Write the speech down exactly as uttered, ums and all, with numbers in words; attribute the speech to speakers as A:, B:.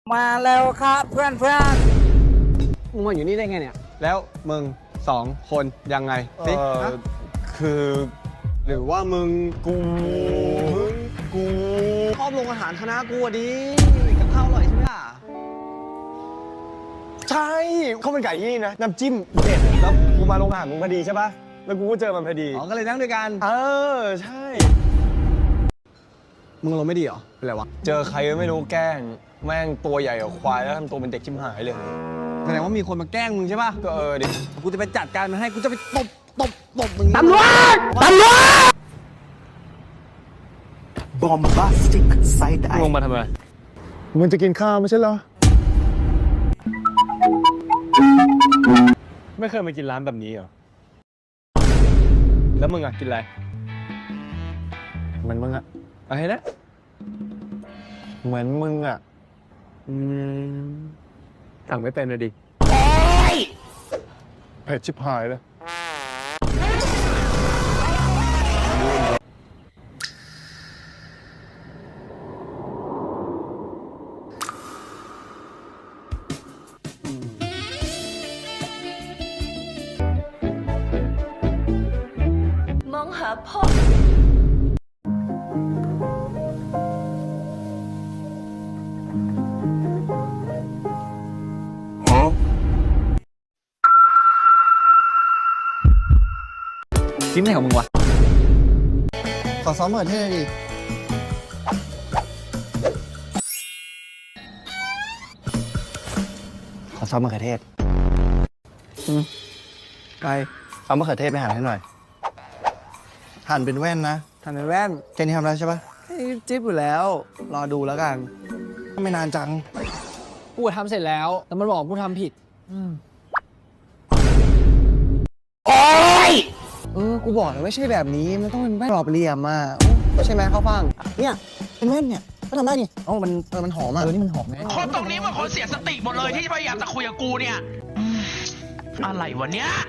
A: มาแล้วครับเพื่อนเพื่อน
B: มึงมาอยู่นี่ได้ไงเนี่ย
C: แล้วมึงสองคนยังไงสิ
D: เออ
C: ฮะ
D: คือ
C: หรือว่ามึง
D: กูมึงกู
B: ชอบลงอาหารคณะกูอะดิกับข้าวอร่อยใช่ไหมล่ะ
D: ใช่ข้าวมันไก่ที่นี่นะน้ำจิ้มเด็ดแล้วกูมาโรงอาหารมึงพอดีใช่ปะแล้วกูก็เจอมันพอดี
B: อ๋อก็เลยนั่งด้วยกัน
D: เออใช่
B: มึงอารมณ์ไม่ดีเหรอเป็นไรวะ
D: เจอใครก็ไม่รู้แกล้งแม่งตัวใหญ่กว่าควายแล้วทำตัวเป็นเด็กชิมหายเลย
B: แสดงว่ามีคนมาแกล้งมึงใช่ป่ะ
D: ก็เออดิ
B: กูจะไปจัดการมันให้กูจะไปตบตบตบมึง
A: ตำรวจตำรวจ
E: bombastic side
D: ล
E: eye
D: งมาทำไมมึงจะกินข้าวไม่ใช่เหรอไม่เคยมากินร้านแบบนี้เหรอแล้วมึงอ่ะกินอะไรเหมือนมึงอ่ะอะไรนะเหมือนมึงอ่ะอืมสั่งไม่เป็นเลยดิเผ็ดชิบหายเลย
F: มองหาพ่อ
B: จิ้มอะไรของมึงวะ
C: ขอซ้อมเหมือนเท่ดิ
E: ขอซอสมะเขือเทศ
B: ไป
E: เอามะเขือเทศไปหั่นให้หน่อย หั่นเป็นแว่นนะ
B: ทำในแว่น
E: แค่นี้ทำได้ใช่ปะ
B: เฮ้ยจิ๊บอยู่แล้ว รอดูแล้วกัน
E: ไม่นานจัง
B: กูทำเสร็จแล้วแต่มันบอกกูทำผิดโอ้ยเออกูบอกแล้วไม่ใช่แบบนี้มันต้องเป็นแว่นกรอบเหลี่ยมอ่ะโอ้ใช่ไหมข้าวฟ่าง
E: เนี่ย เป็นแว่นเนี่ย ก็ทำได้นี่
B: อ๋อมันเออมันหอมอ่ะ
E: เออ นี่มันหอมไง
G: คนตรงนี้มันคนเสียสติหมดเลยที่พยายามจะคุยกับกูเนี่ยอืมอะไรวะเนี้ย